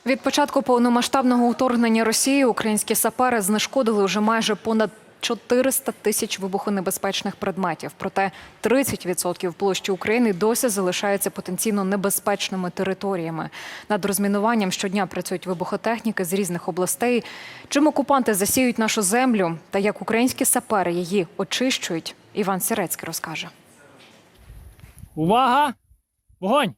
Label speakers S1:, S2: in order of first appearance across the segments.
S1: Від початку повномасштабного вторгнення Росії українські сапери знешкодили вже майже понад 400 тисяч вибухонебезпечних предметів. Проте 30% площі України досі залишаються потенційно небезпечними територіями. Над розмінуванням щодня працюють вибухотехніки з різних областей. Чим окупанти засіють нашу землю та як українські сапери її очищують, Іван Сірецький розкаже.
S2: Увага! Вогонь!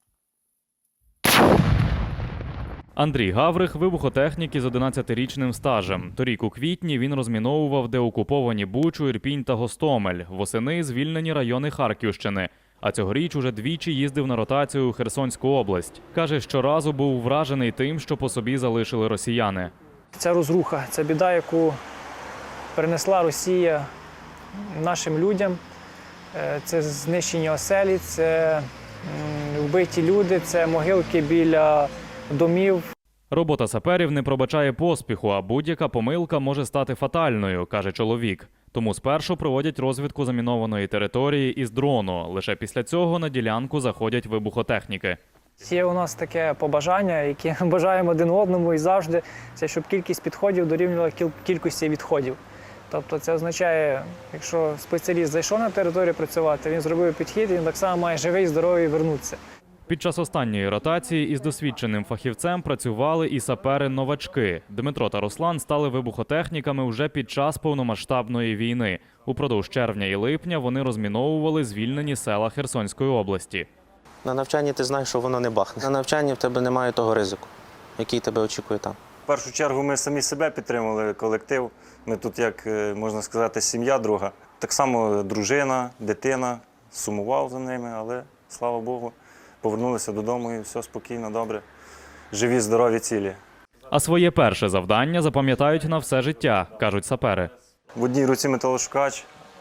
S3: Андрій Гаврих – вибухотехнік із 11-річним стажем. Торік у квітні він розміновував деокуповані Бучу, Ірпінь та Гостомель. Восени – звільнені райони Харківщини. А цьогоріч уже двічі їздив на ротацію у Херсонську область. Каже, щоразу був вражений тим, що по собі залишили росіяни.
S2: Ця розруха, це біда, яку принесла Росія нашим людям. Це знищені оселі, це вбиті люди, це могилки біля домів.
S3: Робота саперів не пробачає поспіху, а будь-яка помилка може стати фатальною, каже чоловік. Тому спершу проводять розвідку замінованої території із дрону. Лише після цього на ділянку заходять вибухотехніки.
S2: Є у нас таке побажання, яке бажаємо один одному і завжди, це щоб кількість підходів дорівнювала кількості відходів. Тобто це означає, якщо спеціаліст зайшов на територію працювати, він зробив підхід, він так само має живий, здоровий вернутися.
S3: Під час останньої ротації із досвідченим фахівцем працювали і сапери-новачки. Дмитро та Руслан стали вибухотехніками вже під час повномасштабної війни. Упродовж червня і липня вони розміновували звільнені села Херсонської області.
S4: На навчанні ти знаєш, що воно не бахне. На навчанні в тебе немає того ризику, який тебе очікує там.
S5: В першу чергу ми самі себе підтримували, колектив. Ми тут, як можна сказати, сім'я друга. Так само дружина, дитина, сумував за ними, але, слава Богу, повернулися додому і все спокійно, добре. Живі, здорові, цілі.
S3: А своє перше завдання запам'ятають на все життя, кажуть сапери.
S5: В одній руці металошукач,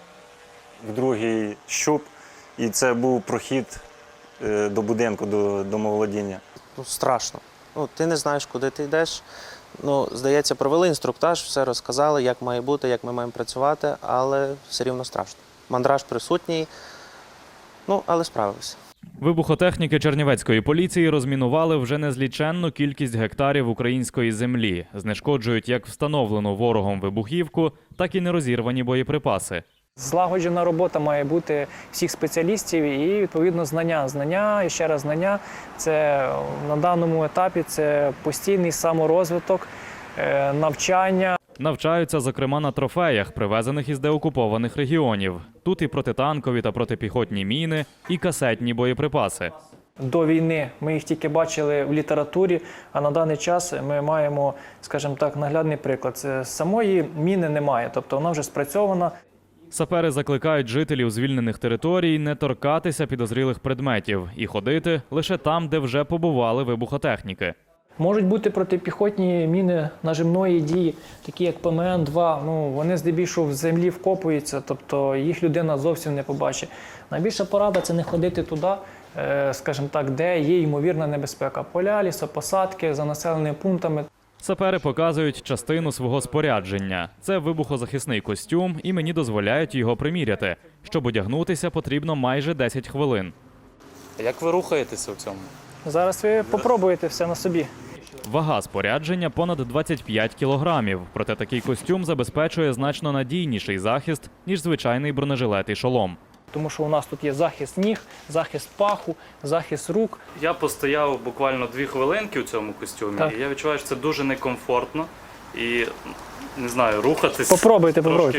S5: в другій щуп. І це був прохід до будинку, до домоволодіння.
S4: Страшно. Ти не знаєш, куди ти йдеш. Здається, провели інструктаж, все розказали, як має бути, як ми маємо працювати, але все рівно страшно. Мандраж присутній, але справилися.
S3: Вибухотехніки Чернівецької поліції розмінували вже незліченну кількість гектарів української землі. Знешкоджують як встановлену ворогом вибухівку, так і нерозірвані боєприпаси.
S2: Злагоджена робота має бути всіх спеціалістів і, відповідно, знання. Знання, і ще раз знання – це на даному етапі це постійний саморозвиток, навчання.
S3: Навчаються, зокрема, на трофеях, привезених із деокупованих регіонів. Тут і протитанкові та протипіхотні міни, і касетні боєприпаси.
S2: До війни ми їх тільки бачили в літературі, а на даний час ми маємо, скажімо так, наглядний приклад. Самої міни немає, тобто вона вже спрацьована.
S3: Сапери закликають жителів звільнених територій не торкатися підозрілих предметів і ходити лише там, де вже побували вибухотехніки.
S2: Можуть бути протипіхотні міни нажимної дії, такі як ПМН-2, вони здебільшого в землі вкопуються, тобто їх людина зовсім не побачить. Найбільша порада – це не ходити туди, скажімо так, де є ймовірна небезпека. Поля, лісопосадки, за населеними пунктами.
S3: Сапери показують частину свого спорядження. Це вибухозахисний костюм, і мені дозволяють його приміряти. Щоб одягнутися, потрібно майже 10 хвилин.
S6: Як ви рухаєтеся в цьому?
S2: Зараз ви попробуєте все на собі.
S3: Вага спорядження понад 25 кілограмів. Проте такий костюм забезпечує значно надійніший захист, ніж звичайний бронежилет і шолом.
S2: Тому що у нас тут є захист ніг, захист паху, захист рук.
S6: Я постояв буквально 2 хвилинки у цьому костюмі,
S2: Так.
S6: і я відчуваю, що це дуже некомфортно. І, не знаю, рухатись
S2: Попробуйте.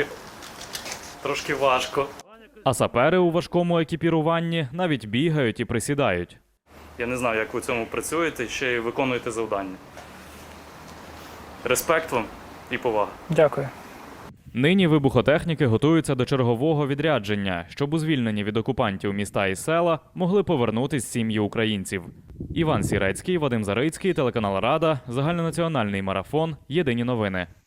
S6: трошки важко.
S3: А сапери у важкому екіпіруванні навіть бігають і присідають.
S6: Я не знаю, як ви в цьому працюєте, ще й виконуєте завдання. Респект вам і повага.
S2: Дякую.
S3: Нині вибухотехніки готуються до чергового відрядження, щоб у звільнені від окупантів міста і села могли повернутись сім'ї українців. Іван Сірецький, Вадим Зарицький, телеканал Рада, загальнонаціональний марафон, єдині новини.